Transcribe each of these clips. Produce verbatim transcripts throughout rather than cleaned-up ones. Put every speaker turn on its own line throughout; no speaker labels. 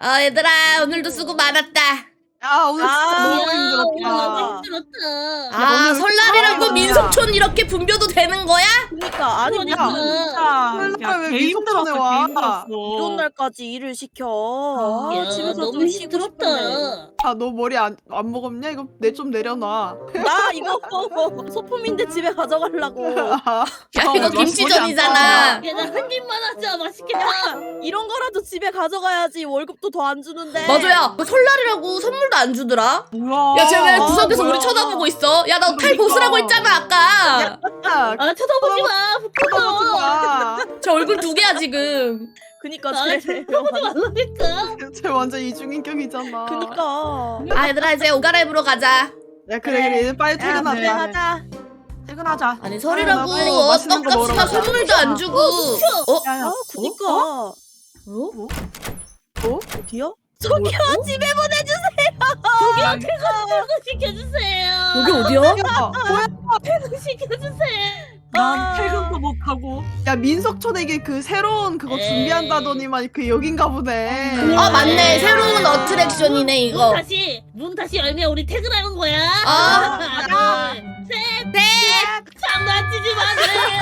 아 얘들아 오늘도 수고 많았다.
야 오늘 진짜
아,
너무
오늘
힘들었다.
너무 힘들었다.
아
오늘
설날이라고
진짜
민속촌 이렇게 분벼도 되는 거야?
그러니까 아니
그러니까.
무슨
설날 왜 민속촌에 와?
이런 날까지 일을 시켜. 아,
야,
집에서
너무
좀 쉬고 싶은데.
힘들었다.
아 너 머리 안, 안 먹었냐? 이거 내 좀 내려놔.
나 이거 소품인데 집에 가져가려고.
아,
야
어,
이거
머리
김치전이잖아.
야, 나 한 입만 하자. 맛있겠다.
이런 거라도 집에 가져가야지. 월급도 더 안 주는데.
맞아야 그 설날이라고 선물도 안 주더라.
뭐야?
야 쟤 왜
아,
구석에서
뭐야.
우리 쳐다보고 있어? 야 나 칼
그러니까.
벗으라고 했잖아 아까.
야,
아, 쳐다보지 마.
쳐다보지
부끄러워.
마.
저 얼굴 두 개야 지금.
그니까
아,
쟤.
쳐다보지 말라니까.
쟤 완전 이중인격이잖아.
그니까.
아 얘들아 이제 옷 갈아입으러 가자.
야 그래 그래 이제 빨리
집에
퇴근하자.
가자.
퇴근하자.
아니 설이라고
빨리
어,
맛있는 거
떡값이나
먹으러 가자.
선물도 안 주고. 어?
야야.
아, 그니까.
어?
어?
어디요? 저기요, 집에
저기요, 퇴근 시켜주세요.
여기 어디야?
야, 뭐야?
퇴근 시켜주세요.
난
아.
퇴근도 못 하고.
야 민속촌에게 그 새로운 그거
에이.
준비한다더니만 그 여긴가 보네.
아 맞네 새로운 어트랙션이네
문
이거.
다시 문 다시 열면 우리 퇴근하는 거야.
아.
하나, 둘, 셋,
네.
장난치지 마세요.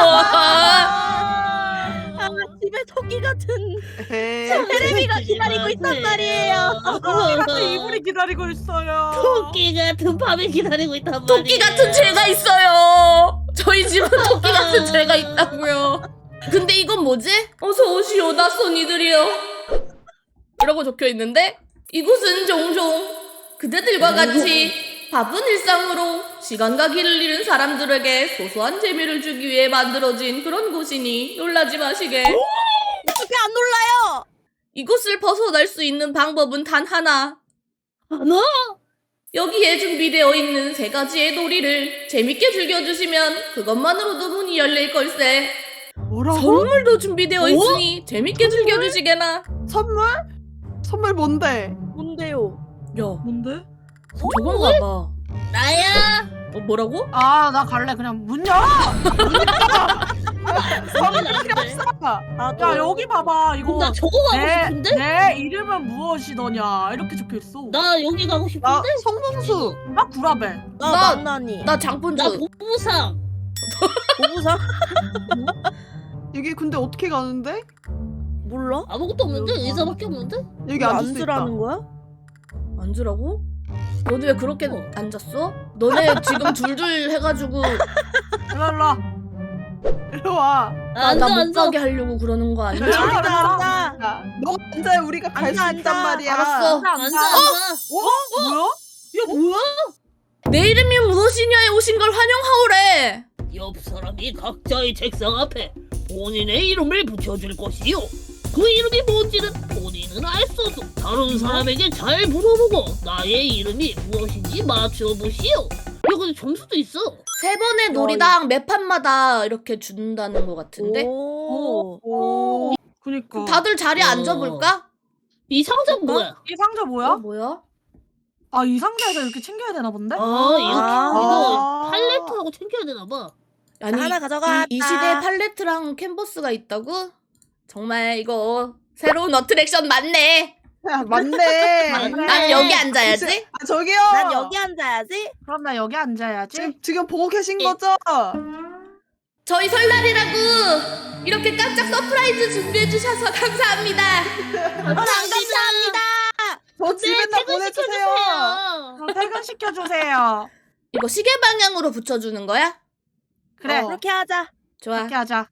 아, 집에 토끼 같은
에헤이.
테레비가 기다리고 있단 말이에요.
이불이 기다리고 있어요.
토끼 같은 밤에 기다리고 있단 말이에요.
토끼 같은 죄가 있어요. 저희 집은 토끼 같은 죄가 있다고요. 근데 이건 뭐지? 어서 오시오 낯선 이들이여. 이라고 적혀 있는데 이곳은 종종 그대들과 같이 바쁜 일상으로 시간과 길을 잃은 사람들에게 소소한 재미를 주기 위해 만들어진 그런 곳이니 놀라지 마시게.
어떻게 안 놀라요?
이곳을 벗어날 수 있는 방법은 단 하나.
너?
여기에 준비되어 있는 세 가지의 놀이를 재밌게 즐겨주시면 그것만으로도 문이 열릴 걸세.
뭐라고?
선물도 준비되어 있으니 재밌게 즐겨주시게나.
선물? 선물 뭔데?
뭔데요?
야,
뭔데?
저건가 봐.
나야.
어, 뭐라고?
아, 나 갈래. 그냥 문 열어.
선물
나인데.
필요 없어.
나도.
야, 여기 봐봐. 이거
나 저거 가고
내,
싶은데?
내 이름은 무엇이더냐. 이렇게 적혀 있어.
나 여기 가고
나
싶은데?
성봉수.
나 구라벨.
나
나-
만나니.
나
나
장본주.
보부상.
보부상?
여기 근데 어떻게 가는데?
몰라?
아무것도 없는데? 의자밖에 없는데?
여기 앉을 수 있다.
앉으라는 거야?
앉으라고? 너네 왜 그렇게
어.
앉았어? 너네 지금 둘둘 해가지고
일로 일로.
이리 와.
나
앉아
못
앉아.
가게 하려고 그러는 거 아니야?
앉아,
앉아, 앉아.
야, 너 앉아야 우리가 갈 수
앉아,
있단
앉아.
말이야.
알았어.
앉아 앉아.
어? 뭐야?
야 뭐야?
내 이름이 무엇이냐에 오신 걸 환영하오래.
옆 사람이 각자의 책상 앞에 본인의 이름을 붙여줄 것이요. 그 이름이 뭔지는 본인은 알 수 없어. 다른 사람에게 잘 물어보고 나의 이름이 무엇인지 맞춰보시오. 야 근데 점수도 있어.
세 번의 놀이당 매 판마다 이렇게 준다는 것 같은데?
오.
오.
그니까.
다들 자리에
어.
앉아볼까?
이 상자는 뭐야?
이 상자
어,
뭐야?
뭐야?
아, 이 상자에서 이렇게 챙겨야 되나 본데?
아 이렇게
아.
이거 팔레트하고 챙겨야 되나 봐.
아니
하나 가져가.
이, 이 시대에 팔레트랑 캔버스가 있다고? 정말 이거 새로운 어트랙션 맞네.
야, 맞네.
맞네.
난 여기 앉아야지.
아, 저기요.
난 여기 앉아야지.
그럼 나 여기 앉아야지.
지금, 지금 보고 계신
예.
거죠?
저희 설날이라고 이렇게 깜짝 서프라이즈 준비해 주셔서 감사합니다.
감사합니다.
저 집에 다 보내주세요.
그럼 퇴근시켜주세요.
이거 시계 방향으로 붙여주는 거야?
그래.
어.
그렇게 하자.
좋아.
그렇게 하자.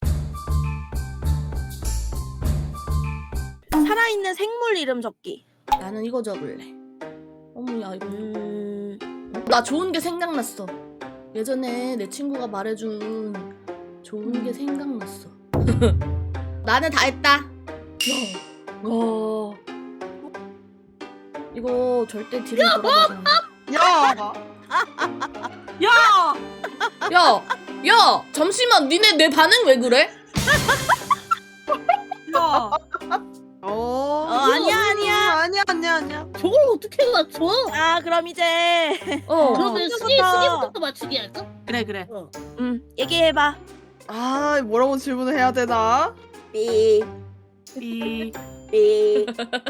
살아있는 생물 이름 적기.
나는 이거 적을래. 어머야 이거
음.
나 좋은 게 생각났어. 예전에 내 친구가 말해준 좋은 게 생각났어. 나는 다 했다. 야, 와. 이거 절대 뒤로 돌아가지 않아.
야.
야!
야, 야, 잠시만, 니네 내 반응 왜 그래?
야!
어.
어, 아니야, 아니야.
아니야, 아니야, 아니야.
저걸 어떻게 맞춰?
아, 그럼 이제.
어.
그러면
어,
수기
좋다.
수기부터 맞추기 할까?
그래, 그래.
어.
음, 얘기해봐.
아, 뭐라고 질문을 해야 되나?
삐.
삐.
삐.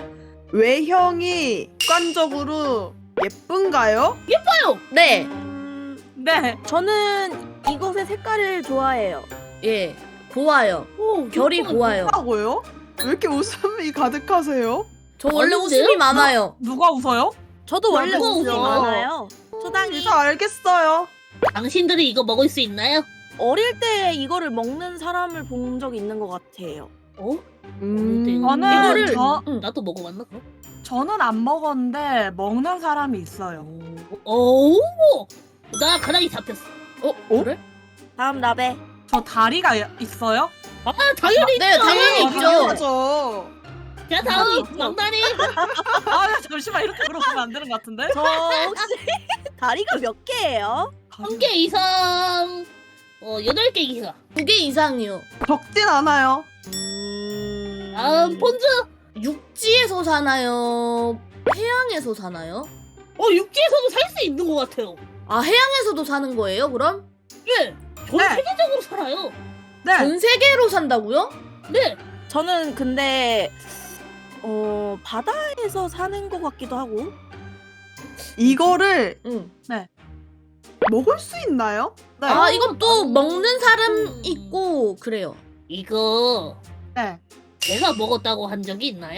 외형이 객관적으로 예쁜가요?
네.
음,
네.
저는 이곳의 색깔을 좋아해요.
예. 고와요.
오,
결이
예뻐요.
고와요.
하고요? 왜 이렇게 웃음이 가득하세요?
저 원래
아닌데요?
웃음이 많아요.
누가 웃어요?
저도 원래
나도
웃음이
웃어.
많아요. 초당이
다 알겠어요.
당신들이 이거 먹을 수 있나요?
어릴 때 이거를 먹는 사람을 본 적이 있는 것 같아요.
어?
음.
저는
이거를-
저
응.
나도 먹어봤나 그럼?
저는 안 먹었는데 먹는 사람이 있어요.
오, 나 가닥이 잡혔어.
어?
어?
그래?
다음 라베.
저 다리가 있어요?
아, 당연히
네,
있죠.
당연히
아,
있죠.
당연하죠.
자, 다음
있죠.
망나니.
아 잠시만 이렇게 물어보면 안 되는 것 같은데?
저 혹시 다리가 몇 개예요?
한 개 이상. 어, 여덟 개 이상.
두 개 이상이요.
적진 않아요.
음...
다음 폰즈.
육지에서 사나요? 해양에서 사나요?
어, 육지에서도 살 수 있는 것 같아요.
아, 해양에서도 사는 거예요, 그럼?
네, 전
네.
세계적으로 살아요.
네.
전 세계로 산다고요?
네,
저는 근데 어 바다에서 사는 것 같기도 하고.
이거를
응.
먹을 수 있나요? 네.
아, 이건 또
음.
먹는 사람 있고 그래요.
이거
네.
내가 먹었다고 한 적이 있나요?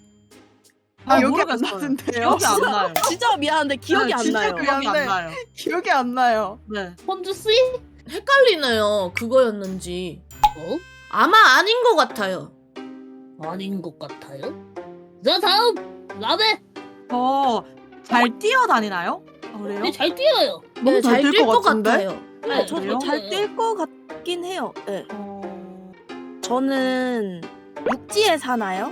아,
아,
여기 안
모르겠어요.
나는데요?
기억이 안 나요.
진짜 미안한데 기억이
네,
안
진짜
나요.
미안-
기억이 안
미안해.
나요.
기억이 안 나요.
네.
폰즈 씨?
헷갈리네요. 그거였는지.
어?
아마 아닌 것 같아요.
아닌 것 같아요. 자, 다음 라베.
저잘 뛰어다니나요? 아, 그래요?
네, 잘 뛰어요.
너무
네,
잘
잘
뛸
뛸
것
것
같은데?
같아요.
네,
저도
그래요?
잘 뛸 것 같긴 해요. 네.
어...
저는 육지에 사나요?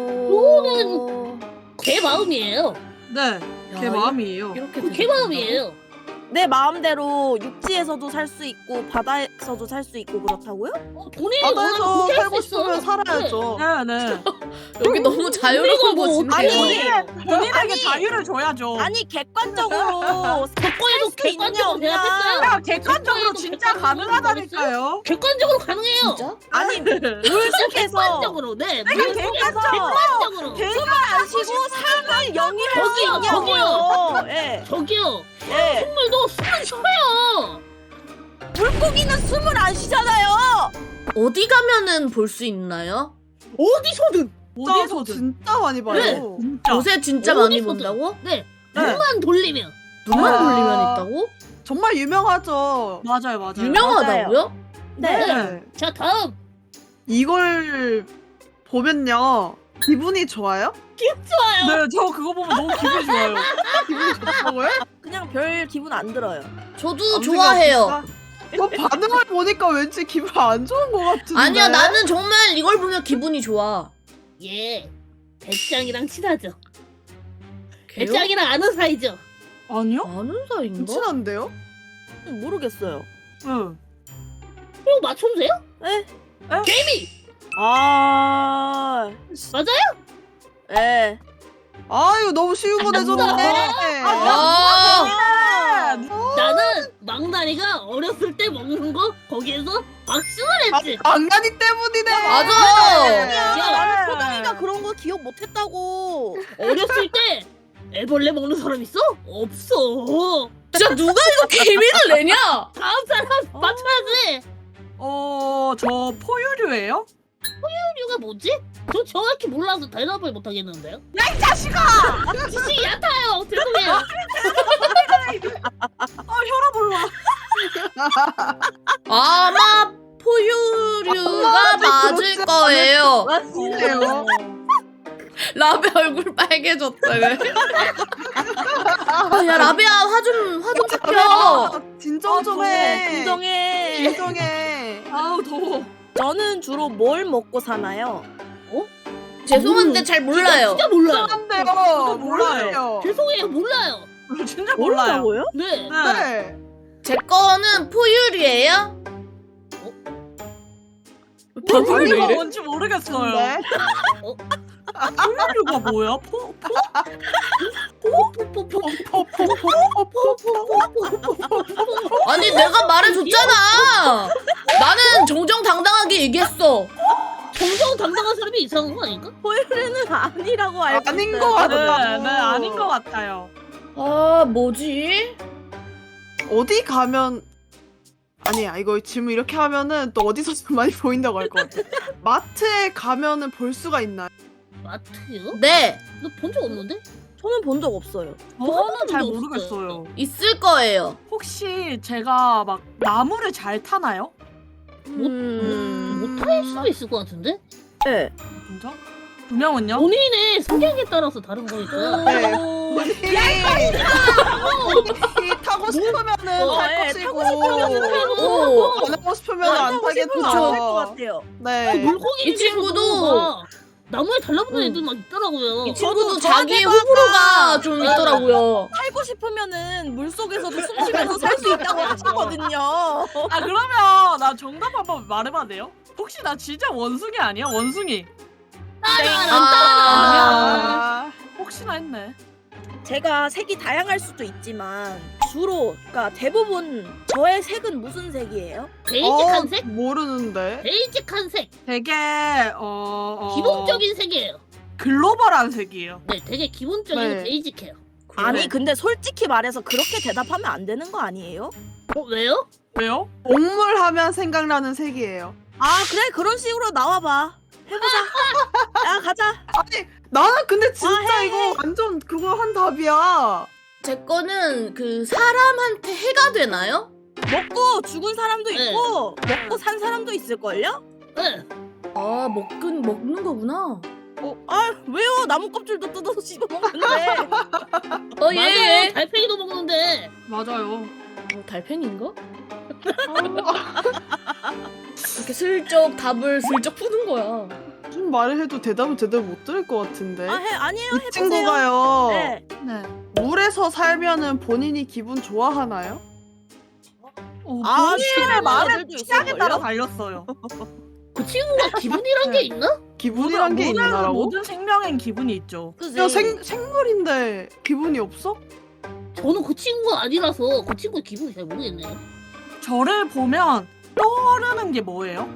어...
개 마음이에요.
네.
야,
제 마음이에요.
이렇게
개
되게
마음이에요.
내 마음대로 육지에서도 살 수 있고 바다에서도 살 수 있고 그렇다고요?
어, 본인이
바다에서
원하면 그렇게
살고
할수 있어.
싶으면 살아야죠.
네, 네.
여기 너무 자유로운
뭐
곳인데요.
아니,
본인에게
아니.
자유를 줘야죠.
아니 객관적으로
조건에도
수 있냐,
객관적으로
없냐.
대답했어요.
야, 객관적으로
객관적으로
진짜
객관적으로
가능하다니까요.
객관적으로 가능해요.
진짜?
아니 물 속에서
객관적으로, 네.
내가
물 속에서
객관적-
객관적으로.
숨을 안 쉬고 삶을 영위할 수
저기요,
있냐고요. 예,
저기요.
예.
생물도 숨을 쉬어요.
물고기는 숨을 안 쉬잖아요.
어디 가면은 볼 수 있나요?
어디서든.
진짜, 저
어디서든.
진짜 많이 봐요.
네.
진짜.
요새 진짜 많이
어디서든.
본다고?
네.
네.
눈만 돌리면.
눈만
아.
돌리면 있다고?
정말 유명하죠.
맞아요, 맞아요.
유명하다고요?
네.
네.
자, 다음.
이걸 보면요. 기분이 좋아요?
좋아요.
네, 저 그거 보면 너무 기분이 좋아요.
기분이 좋다고요?
그냥 별 기분 안 들어요.
저도
아무
좋아해요.
생각 없을까? 뭐 반응을 보니까 왠지 기분 안 좋은 것 같은데.
아니야, 나는 정말 이걸 보면 기분이 좋아.
예. 배짱이랑 친하죠.
걔요?
배짱이랑 아는 사이죠.
아니요?
아는 사이인가?
친한데요?
모르겠어요.
응.
이거 맞춰주세요?
에?
개미.
아,
맞아요?
예.
아유 너무 쉬운 거 내줬는데.
아,
아,
나는 망나니가 어렸을 때 먹는 거 거기에서 박수를 했지.
안간이 때문이네.
맞아.
야,
야.
나는 초당이가 그런 거 기억 못했다고.
어렸을 때 애벌레 먹는 사람 있어? 없어.
진짜 누가 이거 개미를 내냐?
다음 사람
어.
맞춰야지.
어, 저 포유류예요?
이유가 뭐지? 저 정확히 몰라서 대답을 못 하겠는데요.
야, 이 자식아!
지식이 얕아요. 죄송해요.
어, 혈압 올라.
아마 포유류가 맞을
그렇지
거예요.
맞네요.
라베 얼굴 빨개졌다. 그래. 아, 야, 라베야, 화 좀, 화 좀 살펴.
진정 좀 해.
진정해.
진정해.
아우, 더워.
저는 주로 뭘 먹고 사나요?
죄송한데 잘 몰라요.
진짜 몰라요.
안돼요.
몰라요.
몰라요.
죄송해요. 몰라요.
진짜 몰라요.
모른다고요?
네.
네.
네.
제 거는 포유류예요?
포유류가 뭔지 모르겠어요.
네.
포유류가 뭐야? 포, 포?
아니, 내가 말해줬잖아. 나는 정정당당하게 얘기했어.
정정당당한 사람이 이상한 거 아닌가?
포유류는 아니라고 알고
아닌
있어요.
것
네,
같아요.
네, 아닌 것 같아요.
아 뭐지?
어디 가면 아니야 이거 질문 이렇게 하면은 또 어디서 좀 많이 보인다고 할 것 같아. 마트에 가면은 볼 수가 있나요?
마트요?
네
너 본 적 없는데?
저는 본 적 없어요.
저는 잘
적이
모르겠어요.
있을 거예요.
혹시 제가 막 나무를 잘 타나요?
못-
음...
못할 수도 있을 것 같은데?
네.
진짜? 두 명은요?
본인의 성향에 따라서 다른 거니까.
네. 본인이 본인이 타고 싶으면은
어,
탈
예,
것이고
타고 싶으면은
오.
안 하고 싶으면
안
안
타고 싶으면 안 할 것
타겠죠.
같아요.
네.
물고기
이 친구도-
나무에 달라붙는
응.
애들 막 있더라고요.
이 친구도
저도
자기의
저한테도
호불호가 좀
네.
있더라고요.
살고 싶으면은 물 속에서도 숨 쉬면서 살 수 있다고 하시거든요.
아 그러면 나 정답 한번 말해봐도 돼요? 혹시 나 진짜 원숭이 아니야? 원숭이.
아,
혹시나 했네.
제가 색이 다양할 수도 있지만 주로 그러니까 대부분 저의 색은 무슨 색이에요?
베이직한
어,
색?
모르는데.
베이직한 색.
되게 어, 어
기본적인 색이에요.
글로벌한 색이에요.
네, 되게 기본적이고
네.
베이직해요.
아니 근데 솔직히 말해서 그렇게 대답하면 안 되는 거 아니에요?
어, 왜요?
왜요?
동물 하면 생각나는 색이에요.
아 그래 그런 식으로 나와봐. 해보자. 야 가자.
아니 나는 근데 진짜
아, 해,
이거
해.
완전 그거 한 답이야.
제 거는 그 사람한테 해가 되나요?
먹고 죽은 사람도
네.
있고 먹고 산 사람도 있을걸요?
네.
아 먹긴 먹는 거구나.
아 왜요? 나무 껍질도 뜯어서 씹어 먹는데.
어 예.
맞아요.
예.
달팽이도 먹는데.
맞아요.
어, 달팽인가? 이렇게 슬쩍 답을 슬쩍 푸는 거야.
무슨 말을 해도 대답을 제대로 못 들을 것 같은데.
아 해 아니에요
이
해보세요.
친구가요.
네.
네.
물에서 살면은 본인이 기분 좋아하나요?
어,
아,
본인의
싫어하는
말의
애들도
취향에 따라
있을걸요?
달렸어요.
그 친구가 기분이란 게 있나?
기분이란 게
모든-
있나라고?
모든 생명엔 기분이 있죠.
그지?
야, 생, 생물인데 기분이 없어?
저는 그 친구가 아니라서 그 친구의 기분이 잘 모르겠네요.
저를 보면 떠오르는 게 뭐예요?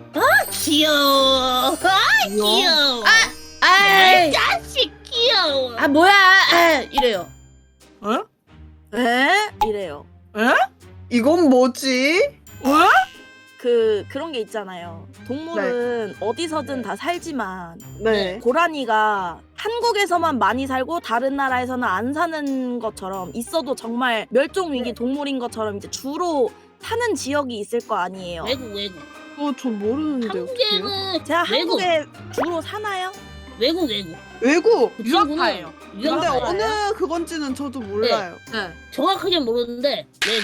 귀여워. 아, 귀여워.
아이.
자식 귀여워.
아 뭐야? 아, 이래요.
에?
에? 이래요.
에?
이건 뭐지?
왜?
그 그런 게 있잖아요. 동물은 어디서든 다 살지만
네.
고라니가 한국에서만 많이 살고 다른 나라에서는 안 사는 것처럼 있어도 정말 멸종 위기 동물인 것처럼 이제 주로 사는 지역이 있을 거 아니에요.
외국 외국.
그거 전 모르는데 어떻게 해요?
한국에는
제가
외국
한국에 주로 사나요?
외국 외국.
외국!
그
유학파예요.
근데
유학
유학파예요?
어느 그건지는 저도 몰라요.
네.
정확하게 모르는데 외국.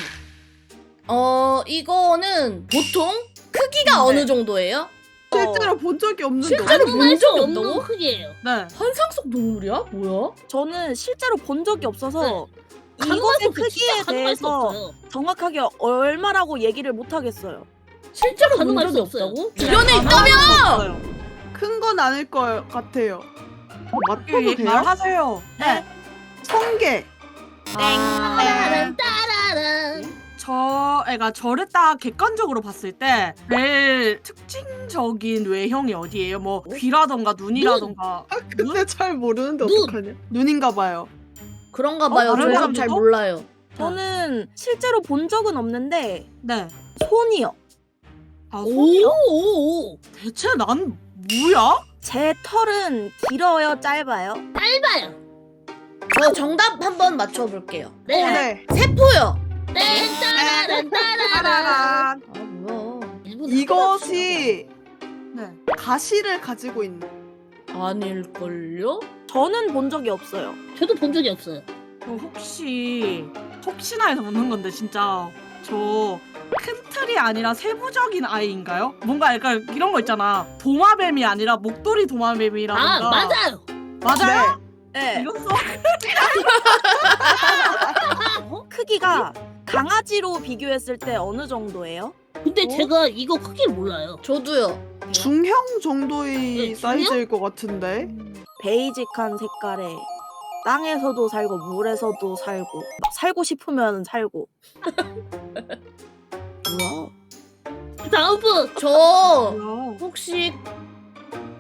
어 이거는 보통 크기가
네.
어느 정도예요?
실제로 본 적이 없는데
실제로
어떻게-
본 적이
수 없는
없다고?
크기예요.
네.
환상 속 동물이야? 뭐야?
저는 실제로 본 적이 없어서
가능할 수
이것의
없어요.
크기에
진짜 가능할 수
대해서
없어요.
정확하게 얼마라고 얘기를 못 하겠어요.
실제로 본
가능할
적이
수 없어요.
없다고?
네.
주변에
아,
있다며!
없어요.
큰 건 아닐 것 같아요. 맞춰도
예,
돼요?
말하세요.
네.
성게!
아,
따라란 따라란.
저 애가 저를 딱 객관적으로 봤을 때 제일 특징적인 외형이 어디예요? 뭐 귀라던가 눈이라던가.
아, 근데 잘 모르는데
눈.
어떡하냐? 눈인가 봐요.
그런가 봐요.
어, 다른
저도
사람들도?
잘 몰라요.
저는 실제로 본 적은 없는데
네.
손이요.
아, 손이요?
오오오.
대체 난 뭐야?
제 털은 길어요, 짧아요?
짧아요.
저 정답 한번 맞춰볼게요.
네.
어, 네.
세포요.
네. 따라란 따라란.
따라란.
아 뭐야?
일본
이것이
네.
가시를 가지고 있는.
아닐걸요?
저는 본 적이 없어요.
저도 본 적이 없어요.
저 혹시 혹시나 해서 묻는 건데 진짜 저 큰 틀이 아니라 세부적인 아이인가요? 뭔가 약간 이런 거 있잖아. 도마뱀이 아니라 목도리 도마뱀이라던가.
아 맞아요.
맞아요?
네.
이건 써.
크기가 강아지로 비교했을 때 어느 정도예요?
근데
어?
제가 이거 크기를 몰라요.
저도요.
중형 정도의
네,
사이즈일 것 같은데.
베이직한 색깔에 땅에서도 살고 물에서도 살고 막 살고 싶으면 살고. 뭐야?
다음 분.
저
뭐야?
혹시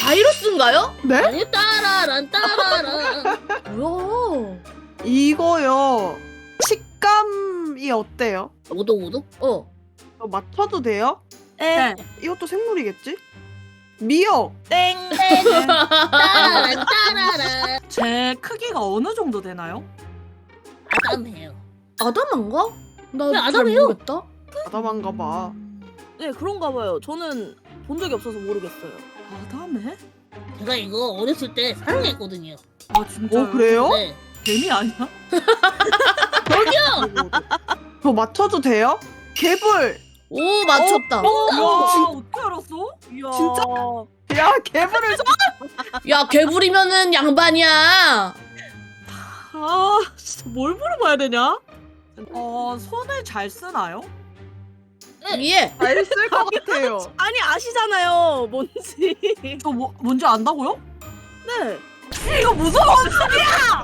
바이러스인가요?
네?
아니 따라란 따라란.
뭐야?
이거요. 식감이 어때요?
오독오독?
어.
이거 맞춰도 돼요?
네.
이것도 생물이겠지? 미역.
땡.
따라란 따라란.
제 크기가 어느 정도 되나요?
아담해요.
아담한가?
왜
나잘
아담해요?
모르겠다.
아담한가 봐.
네 그런가 봐요. 저는 본 적이 없어서 모르겠어요.
아담해?
제가 이거 어렸을 때 사랑했거든요.
아 진짜.
어 그래요?
네.
뱀이 아니야?
저기요.
저 맞춰도 돼요? 개불.
오 맞췄다.
와
진-
어떻게 알았어?
이야.
진짜? 야 개불을 줘.
야 개불이면은 양반이야.
아 진짜 뭘 물어봐야 되냐? 어 손을 잘 쓰나요?
위에.
잘쓸 것 같아요.
아니 아시잖아요. 뭔지.
이거 뭐, 뭔지 안다고요?
네.
이거 무슨 원숭이야?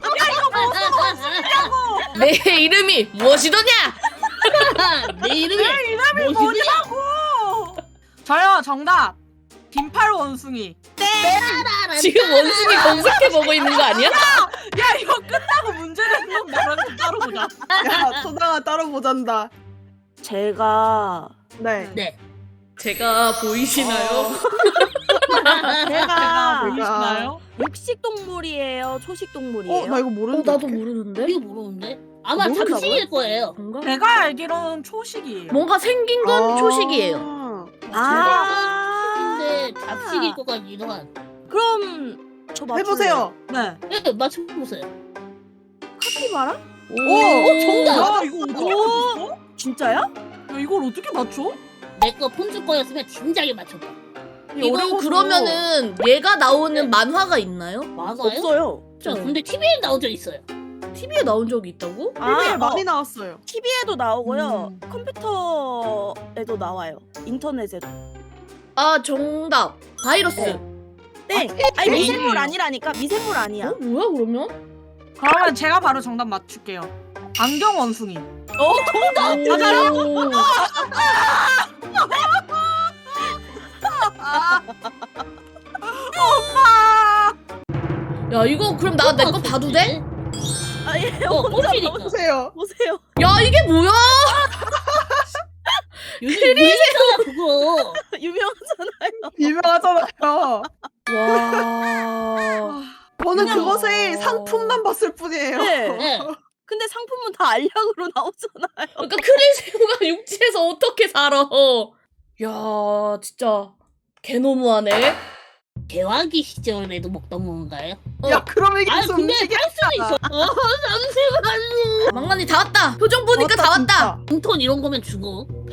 내 이름이 무엇이더냐?
내 이름이
이름이
뭐시냐?
뭐냐고! 저요 정답 긴팔 원숭이.
따라란.
지금 원숭이 검색해 보고 있는 거 아니야?
야 이거 끝나고 문제 내는 거 나랑 따로 보자.
야 소당아 따로 보잔다.
제가
네.
네.
제가 보이시나요?
제가
제가 보이시나요?
육식 동물이에요. 초식 동물이에요.
어 나 이거
어
모르는데.
나도
어떡해.
모르는데.
이거 모르는데? 아마
모른다고요?
잡식일 거예요.
뭔가?
제가 알기로는 초식이에요.
뭔가 생긴 건
아.
초식이에요.
아.
근데 잡식일 것 같기도 한.
그럼 저 맞출래요.
해보세요.
네.
네, 맞춰보세요.
카피바라?
오,
오,
정답.
야 이거 어떻게
오.
맞췄어?
진짜야?
야 이걸 어떻게 맞춰?
내 거 폰즈 거였으면 진작에 맞췄다.
이거
어려워서.
그러면은 얘가 나오는
네.
만화가 있나요?
맞아요?
없어요.
저 근데 티비에 나온 적 있어요.
티비에 나온 적이 있다고?
티비에
아,
많이
어,
나왔어요.
티비에도 나오고요.
음.
컴퓨터에도 나와요. 인터넷에도.
아 정답. 바이러스.
네. 땡. 아니 미생물 아니라니까. 미생물 아니야.
어 뭐야 그러면?
그러면 제가 바로 정답 맞출게요. 안경 원숭이.
어 정답.
맞아요?
아,
야 이거 그럼 나 내 거 봐도 돼?
아, 예,
어,
혼자
꼴찌니까.
보세요.
보세요.
야 이게 뭐야?
요즘 유행이잖아 그거.
유명하잖아요.
유명하잖아요.
와.
저는
그냥-
그것의 상품만 봤을 뿐이에요.
네.
네.
근데 상품은 다 알약으로 나오잖아요.
그러니까 크릴새우가 육지에서 어떻게 살아? 야 진짜 개 너무하네.
개화기 시절에도 먹던 건가요?
야 그럼 이게
아
무슨
근데
음식이야?
할 수도 있어. 어 잠시만요.
망나니 다 왔다. 표정 보니까 다 왔다.
진짜.
인턴 이런 거면 죽어.